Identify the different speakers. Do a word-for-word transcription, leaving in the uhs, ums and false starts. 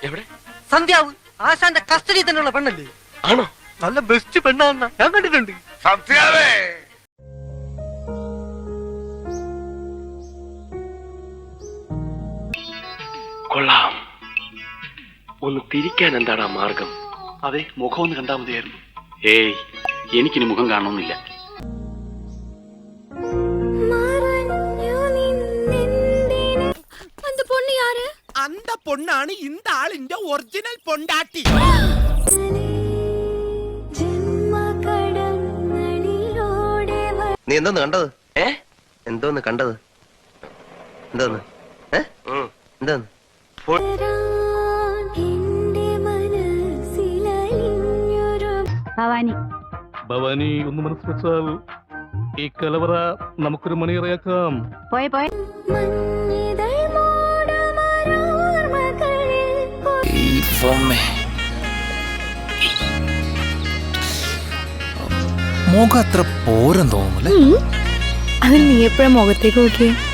Speaker 1: എവിടെ?
Speaker 2: സന്ധ്യാവ് ആശാന്റെ കസ്റ്റഡി തന്നെയുള്ള പെണ്ണല്ലേ?
Speaker 1: ആണോ?
Speaker 2: നല്ല ബെസ്റ്റ് പെണ്ണാന്ന ഞാൻ കണ്ടിട്ടുണ്ട്.
Speaker 3: സത്യാവേ
Speaker 1: കൊള്ളാം. ഒന്ന് തിരിക്കാൻ എന്താണ് മാർഗം?
Speaker 4: അതെ, മുഖം ഒന്ന് കണ്ടാൽ മതിയായിരുന്നു.
Speaker 1: ഏയ്, എനിക്കിനി മുഖം കാണണമെന്നില്ല.
Speaker 5: அந்த பொண்ணாണ് இந்த ആളിന്റെ ഒറിജിനൽ പൊണ്ടാട്ടി.
Speaker 6: നീ എന്തോന്ന് കണ്ടത്?
Speaker 1: ഏ
Speaker 6: എന്തോന്ന് കണ്ടത്? എന്തോന്ന് ഏ എന്തോന്ന്?
Speaker 7: ഭവാനി
Speaker 8: ഭവാനി ഒന്ന് മനസ്സ് വെച്ചാൽ ഈ കലവറ നമുക്കൊരു മണിയറയാക്കാം.
Speaker 7: പോയെ പോയെ
Speaker 9: മുഖം അത്ര പോരെന്ന് തോന്നുന്നു.
Speaker 7: അതിൽ നീ എപ്പോഴാ മുഖത്തേക്ക് നോക്കിയേ?